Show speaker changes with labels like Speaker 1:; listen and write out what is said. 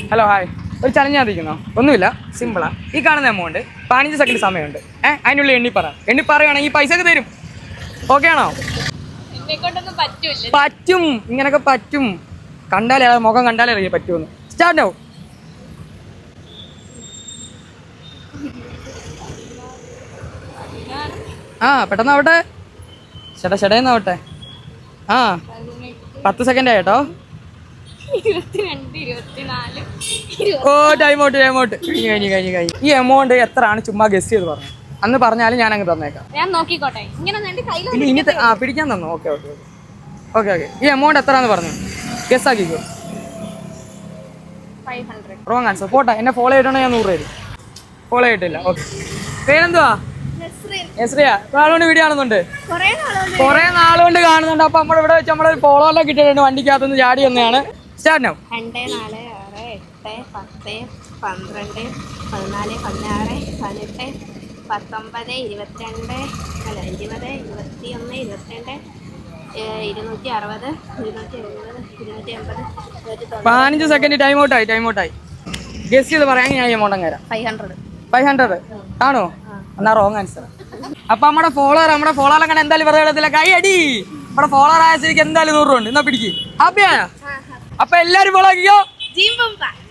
Speaker 1: Hello hi. ഒരു challenge അറിയിക്കുന്നോ? ഒന്നുമില്ല, സിമ്പിളാ. ഈ കാണുന്ന എമൗണ്ട് 15 സെക്കൻഡ് സമയമുണ്ട്. അതിനുള്ളിൽ എണ്ണി പറയുകയാണെങ്കിൽ പൈസ ഒക്കെ തരും. ഓക്കെ ആണോ? പറ്റും, ഇങ്ങനൊക്കെ പറ്റും. കണ്ടാലേ മുഖം കണ്ടാലേ അറിയാം പറ്റുമെന്ന്. സ്റ്റാർട്ട് ആവും. പെട്ടെന്നാവട്ടെ. ഷടേന്നാവട്ടെ. 10 സെക്കൻഡ് ആയിട്ടോ. ഓ ടൈം ഔട്ട്. കഴിഞ്ഞു. ഈ എമൗണ്ട് എത്രയാണ് ചുമ്മാ ഗസ് ചെയ്ത് പറഞ്ഞു. അന്ന് പറഞ്ഞാലും ഞാൻ അങ്ങ് തന്നേക്കാം. ഇനി പിടിക്കാൻ തന്നു. ഓക്കെ. ഈ എമൗണ്ട് എത്രയാന്ന് പറഞ്ഞു ഗസ് ആക്കിക്കോ.
Speaker 2: 500.
Speaker 1: Wrong answer. പോട്ടെ, എന്നെ ഫോളോ ചെയ്തിട്ടുണ്ടെങ്കിൽ ഞാൻ 100 തരും. ഫോളോ ചെയ്തിട്ടില്ല. ഓക്കെ. പേരെന്തുവാ? എസ്രിയ. നാളുകൊണ്ട് വീഡിയോ കാണുന്നുണ്ട്. കുറെ നാളുകൊണ്ട് കാണുന്നുണ്ട്. അപ്പൊ നമ്മളിവിടെ വെച്ച് നമ്മളൊരു ഫോളോ എല്ലാം കിട്ടിയിട്ടുണ്ട്. വണ്ടിക്കകത്തുനിന്ന് ചാടി വന്നതാണ്. സ്റ്റാർട്ട് ആവും.
Speaker 2: 2, 4, 6, 8, 10, 12, 14, 16, 18, 19, 22, 20, 21, 22, 260, 270, 280,
Speaker 1: 15 സെക്കൻഡ് ടൈം ഔട്ടായി. ഗസ് ചെയ്ത് പറയാൻ ഞാൻ എമൗണ്ട് അങ്ങ് തരാം. 500 ആണോ? എന്നാ റോങ് ആൻസർ. അപ്പൊ നമ്മുടെ ഫോളോവർ അങ്ങനെ എന്തായാലും വെറുതെ ഇടത്തില്ല. കൈ അടി. നമ്മുടെ ഫോളോവർ ആയ സ്ഥിതിക്ക് എന്തായാലും 100 ഉണ്ട്. എന്നാ പിടിക്ക്. ഹാപ്പിയാ? അപ്പൊ എല്ലാരും ഫോളോ ആക്കിയോ.